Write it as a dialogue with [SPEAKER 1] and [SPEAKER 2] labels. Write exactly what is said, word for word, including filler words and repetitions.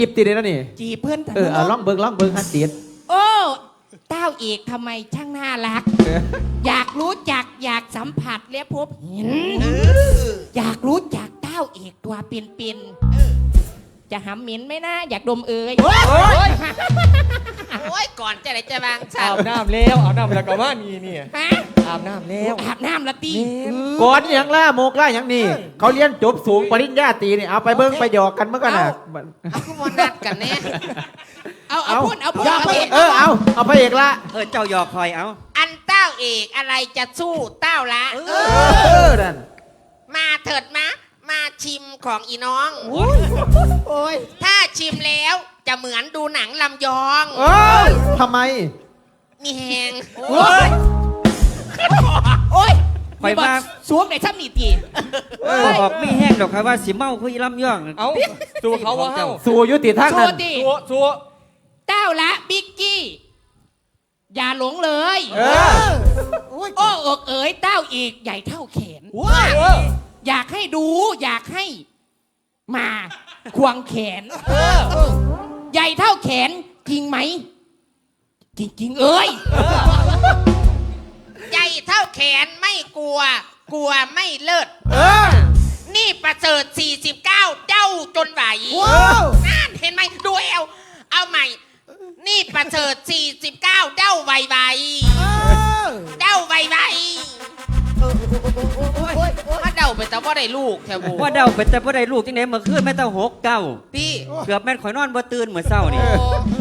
[SPEAKER 1] จีบติดเลยนะนี่
[SPEAKER 2] จีบเพื่อน
[SPEAKER 1] เออเอาล่องเบิงล่องเบิงฮันติด
[SPEAKER 2] โอ้เต้าเอกทำไมช่างน่ารัก อยากรู้จักอยากสัมผัสและพบเห็นอยากรู้จักเต้าเอกตัวเป็นๆจะหำเหม็นไหมนะอยากดมเอ่ย
[SPEAKER 3] โอ้ยก่อนจะไหนจะบางฉัน
[SPEAKER 4] อาบน้ำแล้วอาบน้ำแล้วก็มานี่นี่
[SPEAKER 2] ฮะ
[SPEAKER 4] อาบน้ำแล้ว
[SPEAKER 2] อาบน้ำละตี
[SPEAKER 1] ก่อนอย่างล่าโมกล่าอย่างนี้เขาเรียนจบสูงปริญญาตรีนี่เอาไปเบิ้งไปหยอกกันเมื่อกันน่ะ
[SPEAKER 3] เอาคุณวันนัดกันแน่
[SPEAKER 2] เอาเอาพูดเอาพูด
[SPEAKER 3] เอา
[SPEAKER 2] เอาพูด
[SPEAKER 1] เออเอาเอาพระเอกละ
[SPEAKER 5] เออเจ้าหยอกคอยเอา
[SPEAKER 3] อันเต้าเอกอะไรจะสู้เต้าละ
[SPEAKER 1] เออนั่น
[SPEAKER 3] มาเถิดมะมาชิมของอีน้อง
[SPEAKER 2] โอ้ย
[SPEAKER 3] ถ้าชิมแล้วจะเหมือนดูหนังลำยอง
[SPEAKER 1] เอ้ยทำไม
[SPEAKER 3] มีแหง
[SPEAKER 2] โอ้ยโอ้ย
[SPEAKER 5] คอยมา
[SPEAKER 2] สวมในซ้ำนี่ตี
[SPEAKER 5] เออออกไม่แห้งดอกครับว่าสิเมาคุยลำย่อง
[SPEAKER 4] เอาสู่เขาว่าเฮา
[SPEAKER 1] สู่ยุติทาง
[SPEAKER 2] โช
[SPEAKER 1] นั้น
[SPEAKER 2] ว์ตี
[SPEAKER 4] สัวสัว
[SPEAKER 2] เต้าละบิ๊กกี้ อย่าหลงเลย
[SPEAKER 1] เออ
[SPEAKER 2] โอ้อกเอ๋ยเต้าเอกใหญ่เท่าแขน อยากให้ดูอยากให้ มาควงแขนใหญ่เท่าแขนจริงไหม จริงๆเอ้ย
[SPEAKER 3] ใหญ่เท่าแขนไม่กลัว กลัวไม่เลิศ
[SPEAKER 1] เออ
[SPEAKER 3] นี่ประเสริฐสี่สิบเก้าเจ้าจนไหว
[SPEAKER 1] ว้าว
[SPEAKER 3] นั่นเห็นไหมดูเอวเอาใหม่ นี่ประเสริฐสี่สิบเก้าเจ้าไวไวเจ้าไวไวถ้าเดาไปแต่ว่าได้ลูกแถวบู
[SPEAKER 5] ว่าเดาเป็นแต่บ่ได้ลูกจังได๋เมื่อคืนแม่เต้าหกเก้า
[SPEAKER 3] พี่
[SPEAKER 5] เกือบแม่นข่อยนอนบ่ตื่นเมื่อเช้านี่
[SPEAKER 3] โอ้